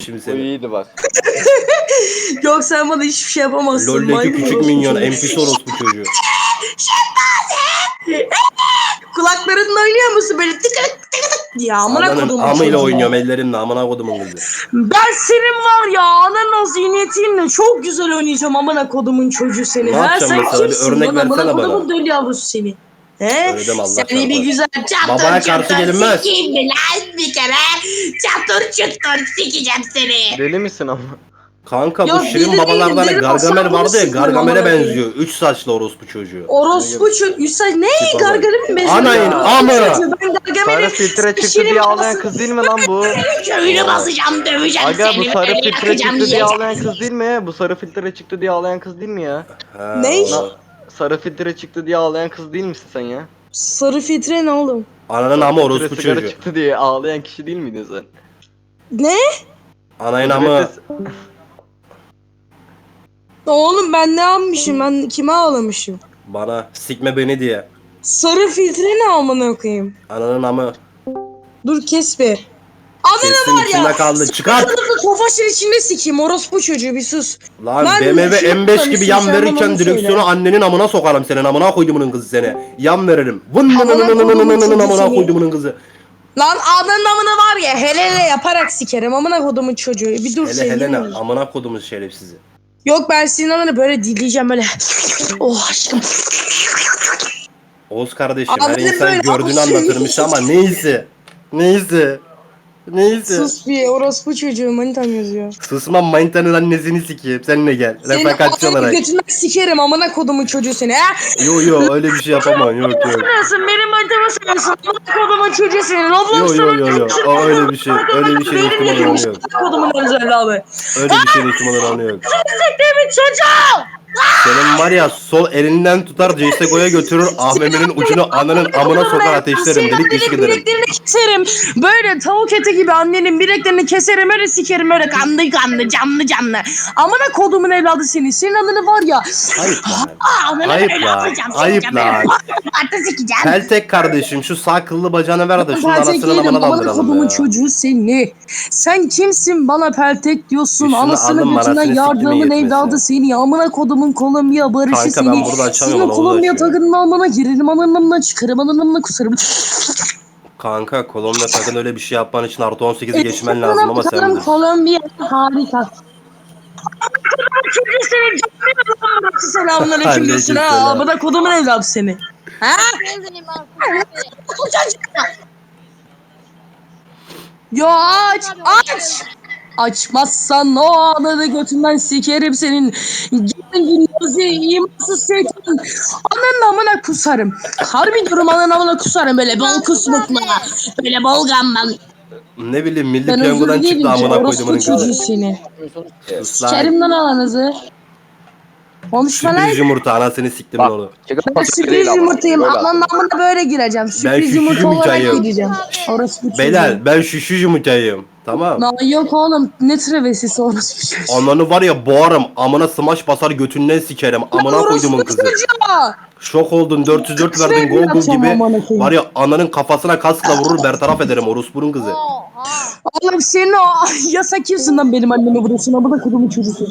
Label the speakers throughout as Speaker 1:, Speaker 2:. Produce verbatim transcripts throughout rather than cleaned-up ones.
Speaker 1: şimdi
Speaker 2: Bu
Speaker 1: seni.
Speaker 2: iyiydi bak.
Speaker 3: Yok sen bana hiçbir şey yapamazsın.
Speaker 1: LoL'deki
Speaker 3: Maymun
Speaker 1: küçük
Speaker 3: orospu
Speaker 1: minyon
Speaker 3: çocuğu.
Speaker 1: N P C orospu çocuğu.
Speaker 3: Kulaklarınla oynuyor musun böyle tık tık tık tık diye amına
Speaker 1: Ananın
Speaker 3: kodumun
Speaker 1: amıyla
Speaker 3: çocuğu.
Speaker 1: oynuyorum ellerimle amına kodumun kızı.
Speaker 3: Ben senin var ya ananın o zihniyetinle çok güzel oynayacağım amına kodumun çocuğu seni.
Speaker 1: Ne
Speaker 3: Ha
Speaker 1: yapacağım
Speaker 3: sen
Speaker 1: mesela? Bir
Speaker 3: kimsin
Speaker 1: örnek
Speaker 3: lan amına
Speaker 1: versene bana.
Speaker 3: kodumun deli yavrusu seni. He?
Speaker 1: Öyle deme Allah
Speaker 3: Seni
Speaker 1: çarpar.
Speaker 3: bir güzel
Speaker 1: Babaya
Speaker 3: çatır
Speaker 1: karşı
Speaker 3: çatır
Speaker 1: gelinmez.
Speaker 3: sikeyim mi lan bir kere. Çatır çatır sikeceğim seni.
Speaker 2: Deli misin ama?
Speaker 1: Kanka bu
Speaker 3: Yok,
Speaker 1: Şirin
Speaker 3: deli
Speaker 1: babalardan
Speaker 3: değilim,
Speaker 1: hani
Speaker 3: deli
Speaker 1: Gargamel
Speaker 3: olsam
Speaker 1: vardı ya,
Speaker 3: bunu sıkmam
Speaker 1: Gargamel'e
Speaker 3: amına koyayım.
Speaker 1: benziyor. Üç saçlı orospu çocuğu.
Speaker 3: Orospu çocuğu. Yüksel ne?
Speaker 1: Tipe bak.
Speaker 3: Gargamel'in bezini.
Speaker 1: Anayın amı.
Speaker 3: Ben Gargamel'in
Speaker 2: Sarı filtre çıktı diye ağlayan kız değil mi lan bu?
Speaker 3: Köyünü basacağım, döveceğim
Speaker 2: Aga
Speaker 3: seni.
Speaker 2: bu sarı
Speaker 3: böyle
Speaker 2: filtre
Speaker 3: yakacağım,
Speaker 2: çıktı diye
Speaker 3: yiyeceğim.
Speaker 2: ağlayan kız değil mi? Bu sarı filtre çıktı diye ağlayan kız değil mi ya?
Speaker 1: Ha,
Speaker 3: Ne?
Speaker 1: o-
Speaker 2: Sarı filtre çıktı diye ağlayan kız değil misin sen ya?
Speaker 3: Sarı filtre ne oğlum?
Speaker 1: Ananın
Speaker 2: Sarı
Speaker 1: amı
Speaker 2: filtre
Speaker 1: orospu
Speaker 2: sigara
Speaker 1: çocuğu.
Speaker 2: çıktı diye ağlayan kişi değil miydin sen?
Speaker 3: Ne?
Speaker 1: Anayın amı.
Speaker 3: Oğlum ben ne yapmışım? Ben kime ağlamışım?
Speaker 1: Bana sikme beni diye.
Speaker 3: Sarı filtre ne amına koyayım?
Speaker 1: Ananın amı.
Speaker 3: Dur kes bir. Ananı
Speaker 1: Kesin
Speaker 3: var
Speaker 1: içinde
Speaker 3: ya.
Speaker 1: kaldı. Çıkart.
Speaker 3: Sınıfı tofaşın içinde sikeyim orospu çocuğu bir sus.
Speaker 1: Lan
Speaker 3: Ben
Speaker 1: B M W
Speaker 3: şey
Speaker 1: M beş gibi
Speaker 3: yapmamışım,
Speaker 1: yan
Speaker 3: sen bana
Speaker 1: verirken
Speaker 3: onu
Speaker 1: direksiyonu
Speaker 3: söyle.
Speaker 1: annenin amına sokarım senin amına koyduğumun kızı seni. Yan veririm. Vın
Speaker 3: Amına
Speaker 1: nın nın nın nın
Speaker 3: koyduğumun
Speaker 1: nın nın
Speaker 3: çocuğu
Speaker 1: amına
Speaker 3: seni.
Speaker 1: koyduğumun kızı.
Speaker 3: Lan ananın amına var ya hele hele yaparak sikerim amına kodumun çocuğu. Bir dur
Speaker 1: Hele
Speaker 3: sevgilim.
Speaker 1: hele ne amına koyduğumuz şerefsizi.
Speaker 3: Yok ben senin ananı böyle dileyeceğim böyle. Oh aşkım.
Speaker 1: Oğuz kardeşim her
Speaker 3: Abi
Speaker 1: insan
Speaker 3: böyle
Speaker 1: gördüğünü
Speaker 3: abi-
Speaker 1: anlatırmış ama neyse. Neyse. Neyse.
Speaker 3: Sus bir orospu çocuğu manitam yazıyor.
Speaker 1: Susmam manitanın annesini sikeyim. Seninle gel.
Speaker 3: Senin
Speaker 1: Refakatçi
Speaker 3: ananı
Speaker 1: olarak.
Speaker 3: götünden sikerim amına kodumun çocuğu seni ha.
Speaker 1: Yo yo öyle bir şey yapamam. Yok yok.
Speaker 3: Sanıyorsun benim manitamı sanıyorsun. Amına kodumun çocuğu senin. Roblox
Speaker 1: Yo yo yo yo. O öyle bir şey. Öyle bir şey ihtimal oranı yok.
Speaker 3: Kodumun evladı.
Speaker 1: Öyle bir şey ihtimal oranı yok.
Speaker 3: Siktiğimin çocuğu.
Speaker 1: Senin var ya sol elinden tutar C S G O'ya götürür Ahmet'in ucunu ananın amına sokar ateşlerim.
Speaker 3: Senin
Speaker 1: Delik deşik
Speaker 3: annenin
Speaker 1: ederim.
Speaker 3: bileklerini keserim. Böyle tavuk eti gibi annenin bileklerini keserim. Öyle sikerim öyle kanlı kanlı canlı canlı. Amına kodumun evladı seni. Senin ananı var ya.
Speaker 1: Ayıp lan.
Speaker 3: Aa, ananı
Speaker 1: Ayıp
Speaker 3: böyle
Speaker 1: lan.
Speaker 3: yapacağım.
Speaker 1: Ayıp
Speaker 3: sikeceğim,
Speaker 1: lan.
Speaker 3: böyle. Artı sikeceğim.
Speaker 1: Peltek kardeşim şu sağ kıllı bacağını ver de şunun
Speaker 3: Peltek
Speaker 1: anasının
Speaker 3: değilim.
Speaker 1: amına
Speaker 3: Amına
Speaker 1: daldıralım
Speaker 3: kodumun
Speaker 1: ya.
Speaker 3: çocuğu seni. Sen kimsin bana peltek diyorsun.
Speaker 1: Üstüne
Speaker 3: Anasını
Speaker 1: alın,
Speaker 3: götünden
Speaker 1: manasını
Speaker 3: yardımın
Speaker 1: siktirmeye
Speaker 3: evladı
Speaker 1: yetmesi.
Speaker 3: seni. Amına kodumun Kolombiya barışı
Speaker 1: Kanka
Speaker 3: seni.
Speaker 1: ben burada açamıyorum,
Speaker 3: Senin
Speaker 1: onu
Speaker 3: Kolombiya
Speaker 1: açıyorum.
Speaker 3: takının amına girerim. Ananımla çıkarım. Ananımla kusarım.
Speaker 1: Kanka Kolombiya takın öyle bir şey yapman için artı on sekizi geçmen lazım ama sen
Speaker 3: Bakalım
Speaker 1: bilirsin.
Speaker 3: Kolombiya harika. Çocuğu senin canını lan selamünaleyküm diyorsun ha.
Speaker 1: Aleykümselam.
Speaker 3: Amına kodumun evladı seni. Ha? Yo aç aç. Açmazsan o ananı götünden sikerim senin. Gelin gündüzü imansız şeytan. Ananın amına kusarım. Harbi diyorum ananın amına kusarım böyle bol kusmukla. Böyle bol gamban.
Speaker 1: Ne bileyim milli
Speaker 3: Ben özür
Speaker 1: piyangodan
Speaker 3: dilerim
Speaker 1: çıktı
Speaker 3: ki
Speaker 1: amına
Speaker 3: orospu
Speaker 1: koyduğumun
Speaker 3: çocuğu
Speaker 1: kızı.
Speaker 3: seni.
Speaker 1: Sus lan.
Speaker 3: Sikerim lan ananızı. Konuşma lan.
Speaker 1: Sürpriz yumurta anasını siktim
Speaker 2: Bak.
Speaker 1: onu.
Speaker 3: Ben sürpriz yumurtayım. Ananın amına böyle gireceğim. Sürpriz
Speaker 1: şüşü
Speaker 3: yumurta olarak
Speaker 1: yumurtayım.
Speaker 3: gireceğim. Orospu çocuğu.
Speaker 1: Beyler ben şüşü yumurtayım. Tamam.
Speaker 3: Lan yok oğlum ne travesisi orospu çocuğu.
Speaker 1: Ananı var ya boğarım. Amına smash basar götünden sikerim. Amına
Speaker 3: Lan
Speaker 1: koyduğumun
Speaker 3: orospu
Speaker 1: kızı.
Speaker 3: çocuğu.
Speaker 1: Şok oldun dört yüz dört
Speaker 3: Kaç
Speaker 1: verdin
Speaker 3: verdi
Speaker 1: Google
Speaker 3: yapacağım
Speaker 1: gibi.
Speaker 3: amına koyayım.
Speaker 1: Var ya ananın kafasına kaskla vurur bertaraf ederim orospunun kızı.
Speaker 3: Oğlum senin o yasak kimsin lan benim anneme vuruyorsun amına kodumun çocuğu.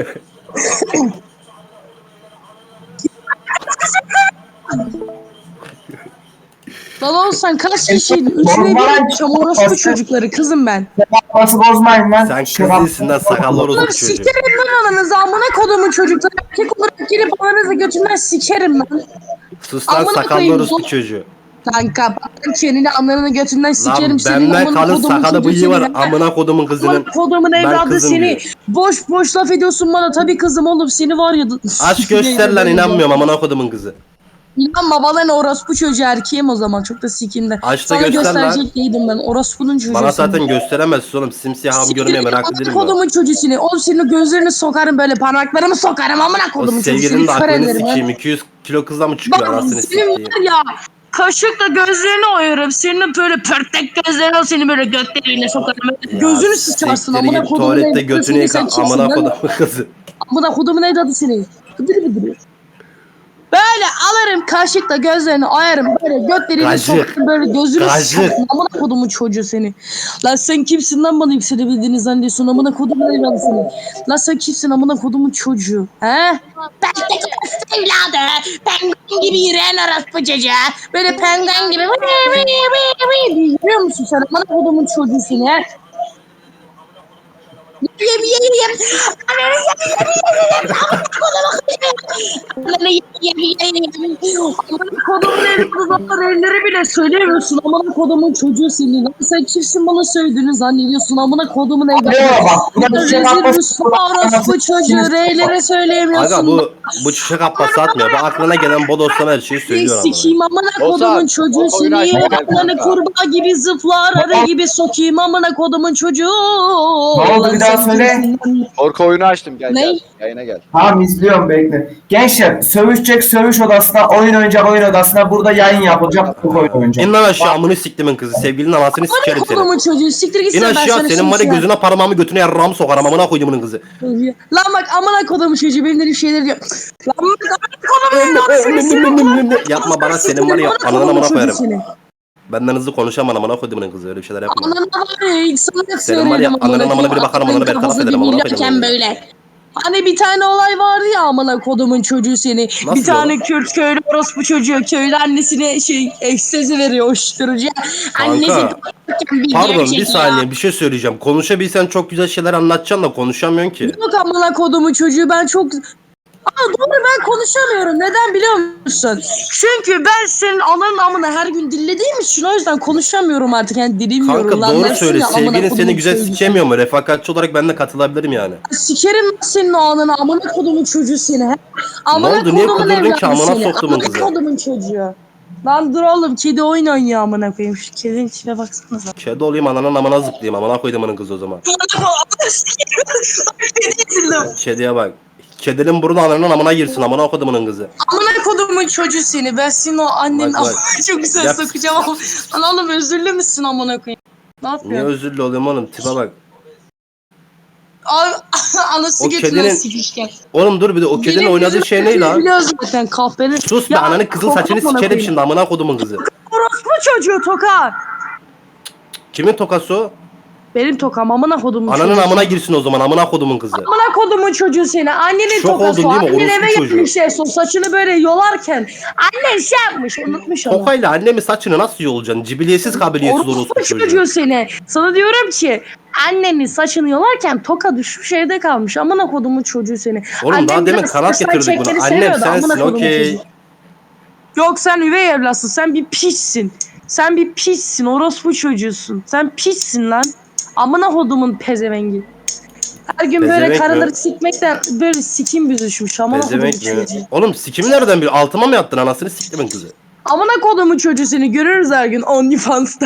Speaker 3: Lan oğlum sen kaç kişiydin? Üçüne bir yapacağım orospu çocukları kızım ben.
Speaker 4: Nasıl bozmayın lan?
Speaker 1: Sen kız değilsin lan sakallı
Speaker 3: Oğlum
Speaker 1: orospu çocuğu.
Speaker 3: sikerim lan ananızı amına kodumun çocukları. Erkek olarak gelip ananızı götünden sikerim lan.
Speaker 1: Sus lan
Speaker 3: Amına
Speaker 1: sakallı
Speaker 3: koyayım,
Speaker 1: orospu
Speaker 3: bu-
Speaker 1: çocuğu.
Speaker 3: Kanka ben çeneni ananı götünden sikerim
Speaker 1: Lan
Speaker 3: senin
Speaker 1: benden
Speaker 3: amına
Speaker 1: kalın
Speaker 3: kodumun
Speaker 1: sakalı
Speaker 3: çocuğu
Speaker 1: bıyığı var
Speaker 3: senin.
Speaker 1: amına kodumun
Speaker 3: Amına
Speaker 1: kızının.
Speaker 3: kodumun
Speaker 1: Ben
Speaker 3: evladı
Speaker 1: kızım
Speaker 3: seni.
Speaker 1: diyor.
Speaker 3: Boş boş laf ediyorsun bana tabii kızım oğlum seni var ya.
Speaker 1: Aşk göster lan inanmıyorum amına kodumun kızı.
Speaker 3: İnanma bana ne orospu çocuğu erkeğim o zaman çok da sikinde.
Speaker 1: Aç da
Speaker 3: Sana
Speaker 1: göster lan.
Speaker 3: gösterecek değildim ben orospunun çocuğu.
Speaker 1: Bana zaten gösteremezsin oğlum simsiyahım görmeye meraklı değilim ben.
Speaker 3: Kodumun çocuğu seni. Oğlum senin gözlerini sokarım böyle parmaklarımı sokarım amına
Speaker 1: O
Speaker 3: kodumun çocuğu
Speaker 1: sevgilinin de
Speaker 3: seni. Kör
Speaker 1: aklını
Speaker 3: ederim ha.
Speaker 1: sikeyim iki yüz kilo kızla mı çıkıyor
Speaker 3: Bak
Speaker 1: anasını
Speaker 3: senin
Speaker 1: sikeyim.
Speaker 3: var ya kaşıkla gözlerini oyarım. Senin böyle pörtlek gözlerini al seni böyle götleriyle sokarım. Böyle gözünü sıçarsın
Speaker 1: siktir
Speaker 3: amına
Speaker 1: git,
Speaker 3: kodumun
Speaker 1: tuvalette
Speaker 3: evladı
Speaker 1: götünü
Speaker 3: seni. Sen
Speaker 1: yıka
Speaker 3: kimsin
Speaker 1: amına
Speaker 3: lan?
Speaker 1: kodumun kızı.
Speaker 3: Amına kodumun evladı seni. Gıdır gıdır. Böyle alırım kaşıkla gözlerini ayarım. Böyle götleriyle
Speaker 1: Kaşık.
Speaker 3: sokarım böyle gözünü
Speaker 1: Kaşık.
Speaker 3: sıkarım. Amına kodumun çocuğu seni. Lan sen kimsin lan bana yükselebildiğini zannediyorsun. Amına kodumun evladı seni. Lan sen kimsin amına kodumun çocuğu. He? Ben de kız evladı. Penguen gibi yürüyen orospu çocuğu. Böyle penguen gibi. Vıy vıy vıy vıy diye yürüyor musun sen? Amına kodumun çocuğu seni he? Yem yem yem. Ananı yem yem yem yem. Amına yem yem yem yem. Amına kodumun evladı elleri bile söyleyemiyorsun. Amına kodumun çocuğu senin. Lan sen kimsin bana söylediğini zannediyorsun. Amına kodumun evladı. Rezil Rüsva orospu çocuğu. R'lere söyleyemiyorsun.
Speaker 1: Aga bu bu çiçek abbası atmıyor. Ben aklına gelen bodoslama her şeyi söylüyor ama.
Speaker 3: Sikiyim amına kodumun çocuğu seni. Ayaklarını kurbağa gibi zıplar arı gibi sokayım amına kodumun çocuğu.
Speaker 4: Ne oldu,
Speaker 3: Lan
Speaker 4: bir daha
Speaker 3: sen
Speaker 4: söyle.
Speaker 3: kimsin?
Speaker 5: Korku oyunu açtım gel
Speaker 3: Ne?
Speaker 5: gel. Yayına gel.
Speaker 4: Tamam izliyorum bekle. Gençler sövüşecek sövüş odasına, oyun oynayacak oyun odasına, burada yayın yapılacak, bu oyun oynayacak.
Speaker 1: İn lan aşağı amını siktimin kızı. Sevgilinin anasını sikerim
Speaker 3: Amına
Speaker 1: seni.
Speaker 3: kodumun çocuğu siktir
Speaker 1: İn
Speaker 3: gitsin ben
Speaker 1: aşağı
Speaker 3: sana
Speaker 1: senin var ya
Speaker 3: şimdi
Speaker 1: gözüne parmağımı götüne yarrağımı sokarım amına koyduğumun kızı.
Speaker 3: Lan bak amına kodumun çocuğu benim dediğim şeyleri diyor. Lan bak amına kodumun evladı seni.
Speaker 1: Yapma bana senin var ya
Speaker 3: Amına
Speaker 1: ananı
Speaker 3: kodumun
Speaker 1: amına
Speaker 3: çocuğu
Speaker 1: koyarım.
Speaker 3: seni.
Speaker 1: Benden hızlı konuşamam amına koyduğumun kızı öyle bir şeyler yapma.
Speaker 3: Ananı var ya ilk sana
Speaker 1: Senin var ya,
Speaker 3: söyledim.
Speaker 1: ananın amına biri bakarım, ananı bertaraf
Speaker 3: Kafası
Speaker 1: ederim, amına
Speaker 3: dinlerken
Speaker 1: koydum.
Speaker 3: böyle. Hani bir tane olay vardı ya amına kodumun çocuğu seni.
Speaker 1: Nasıl
Speaker 3: bir tane
Speaker 1: ya?
Speaker 3: Kürt köylü orospu çocuğu köylü annesine şey ekstezi veriyor uyuşturucu. Annesi bir
Speaker 1: Pardon bir
Speaker 3: çekiyor.
Speaker 1: saniye bir şey söyleyeceğim. Konuşabilsen çok güzel şeyler anlatacaksın da konuşamıyorsun ki.
Speaker 3: Yok amına kodumun çocuğu ben çok... Aa doğru ben konuşamıyorum. Neden biliyor musun? Çünkü ben senin ananın amına her gün dinlediğim için o yüzden konuşamıyorum artık. Yani dilim
Speaker 1: Kanka
Speaker 3: yoruldu,
Speaker 1: doğru
Speaker 3: anlarsın
Speaker 1: söyle.
Speaker 3: ya, amına
Speaker 1: Sevgilin
Speaker 3: kodumun
Speaker 1: seni güzel
Speaker 3: çocuğu.
Speaker 1: sikemiyor mu? Refakatçi olarak ben de katılabilirim yani.
Speaker 3: Sikerim lan senin o ananı amına kodumun çocuğu seni. he. Amına
Speaker 1: oldu? Niye
Speaker 3: kodumun
Speaker 1: kudurdun ki?
Speaker 3: evladı
Speaker 1: Amına
Speaker 3: seni.
Speaker 1: soktumun
Speaker 3: Amına
Speaker 1: kızı.
Speaker 3: kodumun çocuğu. Lan dur oğlum kedi oyun oynuyor amına koyayım. Şu kedinin içine baksanıza.
Speaker 1: Kedi olayım ananın amına zıplayayım. Amına koyduğumun kızı o zaman. Kediye bak. Kedinin burnu ananın amına girsin. Amına koyduğumun kızı.
Speaker 3: Amına kodumun çocuğu seni. Ben senin o annenin
Speaker 1: Bak, bak.
Speaker 3: amına çok güzel
Speaker 1: Yap.
Speaker 3: sokacağım ama. Lan oğlum özürlü müsün amına koyayım? Ne
Speaker 1: Niye
Speaker 3: yapıyorsun?
Speaker 1: özürlü oluyorum oğlum? Tipe bak.
Speaker 3: Abi anası
Speaker 1: O
Speaker 3: götünden
Speaker 1: kedinin-
Speaker 3: sikişken.
Speaker 1: Oğlum dur bir de o kedinin
Speaker 3: Benim
Speaker 1: oynadığı
Speaker 3: yüzüm
Speaker 1: şey ne lan?
Speaker 3: Biliyoruz zaten kahvenin.
Speaker 1: Sus be
Speaker 3: Ya,
Speaker 1: ananın kızıl
Speaker 3: toka
Speaker 1: saçını
Speaker 3: amına
Speaker 1: sikerim
Speaker 3: koyayım.
Speaker 1: şimdi amına kodumun kızı.
Speaker 3: Orospu çocuğu toka.
Speaker 1: Kimin tokası o?
Speaker 3: Benim tokam amına kodumun
Speaker 1: Ananın
Speaker 3: çocuğu.
Speaker 1: amına girsin o zaman amına kodumun kızı.
Speaker 3: Amına kodumun çocuğu seni. Annenin
Speaker 1: Şok
Speaker 3: tokası.
Speaker 1: oldun değil mi?
Speaker 3: Annen
Speaker 1: Orospu
Speaker 3: eve
Speaker 1: çocuğu.
Speaker 3: gelmiş en son saçını böyle yolarken. Annen şey yapmış unutmuş onu.
Speaker 1: Tokayla annemin saçını nasıl yolacaksın? Cibiliyetsiz kabiliyetsiz
Speaker 3: Orospu
Speaker 1: orospu
Speaker 3: çocuğu.
Speaker 1: çocuğu.
Speaker 3: seni. Sana diyorum ki annenin saçını yolarken toka düşmüş evde kalmış. Amına kodumun çocuğu seni.
Speaker 1: Oğlum
Speaker 3: Annem
Speaker 1: daha demin
Speaker 3: biraz
Speaker 1: kanat
Speaker 3: saçlar
Speaker 1: getirdik bunu.
Speaker 3: çekmeni
Speaker 1: Annem
Speaker 3: seviyordu, amına
Speaker 1: sensin
Speaker 3: kodumun
Speaker 1: okey.
Speaker 3: çocuğu. Yok sen üvey evlatsın. Sen bir piçsin. Sen bir piçsin. Orospu çocuğusun. Sen piçsin lan. Amına kodumun pezevengi. Her gün böyle
Speaker 1: Pezevenk mi?
Speaker 3: karıları sikmekten böyle sikim büzüşmüş. Amına kodumun
Speaker 1: Pezevenk mi?
Speaker 3: çocuğu.
Speaker 1: Oğlum sikimi nereden bir altıma mı yattın anasını siktimin kızı?
Speaker 3: Amına kodumun çocuğu seni görürüz her gün OnlyFans'tan.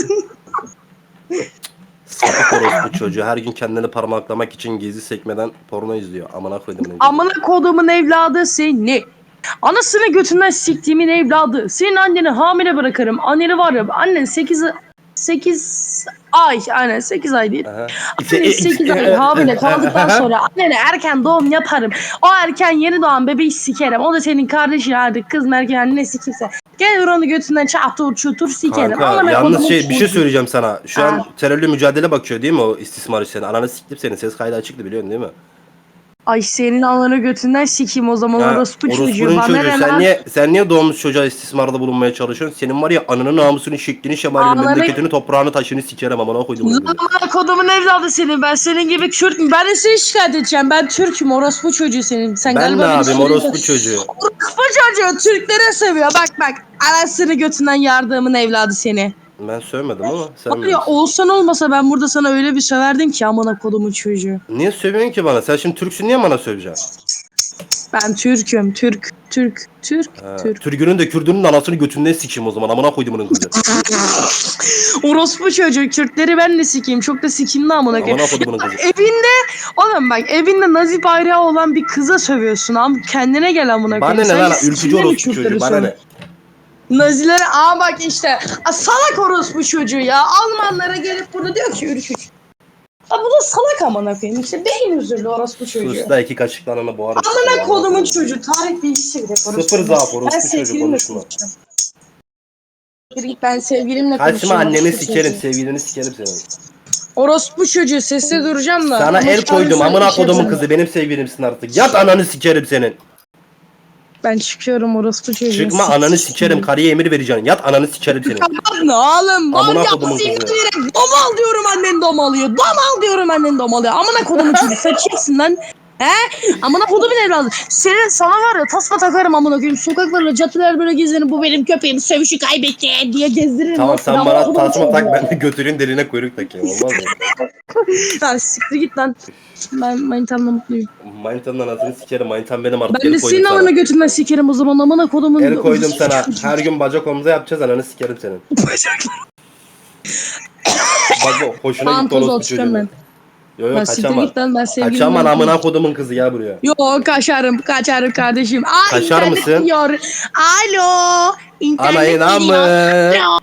Speaker 1: Sapık orospu çocuğu her gün kendini parmaklamak için gezi sekmeden porno izliyor. Amına koydum ne
Speaker 3: Amına kodumun evladı seni. Anasını götünden siktiğimin evladı. Senin anneni hamile bırakırım. Anneni var ya annen sekiz sekiz ay aynen sekiz ay değil.
Speaker 1: Aha.
Speaker 3: Annen sekiz ay hamile kaldıktan sonra annene erken doğum yaparım. O erken yeni doğan bebeği sikerim. O da senin kardeşin artık kız mı erkek anne sikimse. Gel onu götünden çatur çutur sikerim.
Speaker 1: Kanka
Speaker 3: Amına
Speaker 1: yalnız
Speaker 3: kodumun
Speaker 1: şey bir şey
Speaker 3: çocuğu.
Speaker 1: söyleyeceğim sana. Şu an
Speaker 3: Ha.
Speaker 1: terörle mücadele bakıyor değil mi o istismar işlerine? Ananı siktim senin ses kaydı açıktı biliyorsun değil mi?
Speaker 3: Ay senin ananı götünden sikeyim o zaman
Speaker 1: Ha,
Speaker 3: orospu çocuğu.
Speaker 1: orospunun
Speaker 3: Bana
Speaker 1: çocuğu.
Speaker 3: ne
Speaker 1: Sen
Speaker 3: lan?
Speaker 1: niye, sen niye doğmuş çocuğa istismarda bulunmaya çalışıyorsun? Senin var ya ananın namusunu, şeklini, şemalini,
Speaker 3: Ananı-
Speaker 1: memleketini, toprağını, taşını sikerim amına koydum. bunu.
Speaker 3: Amına kodumun evladı senin. Ben senin gibi Kürt mü? Ben de seni şikayet edeceğim. Ben Türk'üm. Orospu çocuğu senin. Sen
Speaker 1: Ben
Speaker 3: galiba
Speaker 1: ne
Speaker 3: beni
Speaker 1: yapayım
Speaker 3: söylüyorsun.
Speaker 1: orospu çocuğu?
Speaker 3: Orospu çocuğu Türklere seviyor. Bak bak. Anasını götünden yardımın evladı seni.
Speaker 1: Ben sövmedim ama sen
Speaker 3: Var ya
Speaker 1: bilirsin.
Speaker 3: olsan olmasa ben burada sana öyle bir söverdim ki amına kodumun çocuğu.
Speaker 1: Niye sövüyorsun ki bana? Sen şimdi Türksün niye bana söveceksin?
Speaker 3: Ben Türk'üm. Türk. Türk. Türk.
Speaker 1: Ha,
Speaker 3: Türk.
Speaker 1: Türk'ünün de Kürdünün de anasını götünden sikeyim o zaman. Amına koydum onun kızı.
Speaker 3: Orospu çocuğu. Kürtleri ben de sikeyim. Çok da sikimli amına koyayım.
Speaker 1: Amına koydum onun kızı.
Speaker 3: Evinde oğlum bak evinde nazi bayrağı olan bir kıza sövüyorsun am kendine gel amına
Speaker 1: Bana
Speaker 3: koyayım.
Speaker 1: ne
Speaker 3: Sen
Speaker 1: lan
Speaker 3: sikimle
Speaker 1: ülkücü
Speaker 3: mi
Speaker 1: orospu
Speaker 3: Kürtleri
Speaker 1: çocuğu bana ne?
Speaker 3: Nazilere aa bak işte a, salak orospu çocuğu ya Almanlara gelip burada diyor ki ülkücü. Ha bu da salak amına koyayım. İşte beyin özürlü orospu çocuğu.
Speaker 1: Sus da iki kaşıkla ananı boğarım.
Speaker 3: Amına kodumun çocuğu. Tarih değişti bir de.
Speaker 1: Sıfır zaaf
Speaker 3: Ben
Speaker 1: orospu çocuğu
Speaker 3: sevgilimle
Speaker 1: konuşma.
Speaker 3: konuşacağım. Git ben sevgilimle
Speaker 1: Kaçma
Speaker 3: konuşacağım.
Speaker 1: anneni
Speaker 3: orospu
Speaker 1: sikerim,
Speaker 3: çocuğu.
Speaker 1: sevgilini sikerim senin.
Speaker 3: Orospu çocuğu sesle duracağım da.
Speaker 1: Sana
Speaker 3: Ama
Speaker 1: el
Speaker 3: şu an
Speaker 1: koydum
Speaker 3: sen
Speaker 1: amına
Speaker 3: bir şey
Speaker 1: kodumun
Speaker 3: yapamam.
Speaker 1: kızı benim sevgilimsin artık. Yat ananı sikerim senin.
Speaker 3: Ben çıkıyorum orospu çocuğu.
Speaker 1: Çıkma ananı sikerim karıya emir vereceksin. Yat ananı sikerim senin.
Speaker 3: Ne oğlum?
Speaker 1: Amına
Speaker 3: Bal
Speaker 1: kodumun
Speaker 3: yapsın
Speaker 1: kızı.
Speaker 3: direkt. Domal diyorum annen domalıyor. Domal diyorum annen domalıyor. Amına kodumun çocuğu sen kimsin lan? He? Amına kodumun evladı. Senin sana var ya tasma takarım amına koyayım. Sokaklarla catılar böyle gezerim. Bu benim köpeğim sövüşü kaybetti diye gezdiririm.
Speaker 1: Tamam sen
Speaker 3: Amına
Speaker 1: bana
Speaker 3: kodumun
Speaker 1: tasma
Speaker 3: çocuğu.
Speaker 1: tak ben de götüreyim derine kuyruk takayım olmaz mı?
Speaker 3: Lan siktir git lan. Ben manitamla mutluyum.
Speaker 1: Manitanın anasını sikerim manitan benim artık
Speaker 3: Ben de
Speaker 1: el koydum
Speaker 3: senin amına
Speaker 1: sana.
Speaker 3: götürmen sikerim o zaman amına kodumun.
Speaker 1: El koydum sana. Her gün bacak omuza yapacağız ananı sikerim senin. Bak bu hoşuna
Speaker 3: Tamam
Speaker 1: gitti
Speaker 3: toz ol
Speaker 1: orospu
Speaker 3: çıkıyorum
Speaker 1: çocuğun.
Speaker 3: ben.
Speaker 1: Yo yo
Speaker 3: Ben siktir
Speaker 1: kaçama.
Speaker 3: git lan ben sevgilimle.
Speaker 1: Kaçaman amına kodumun kızı ya buraya.
Speaker 3: Yo kaçarım kaçarım kardeşim. Aa,
Speaker 1: Kaçar
Speaker 3: internet
Speaker 1: mısın?
Speaker 3: gidiyor. Alo. İnternet
Speaker 1: Anayına
Speaker 3: gidiyor.
Speaker 1: mı?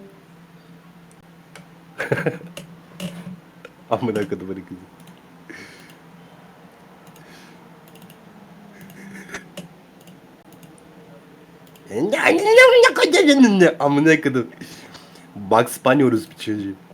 Speaker 1: Amına kodumun kızı. Amına kodum. Bugs Bunny orospu çocuğu.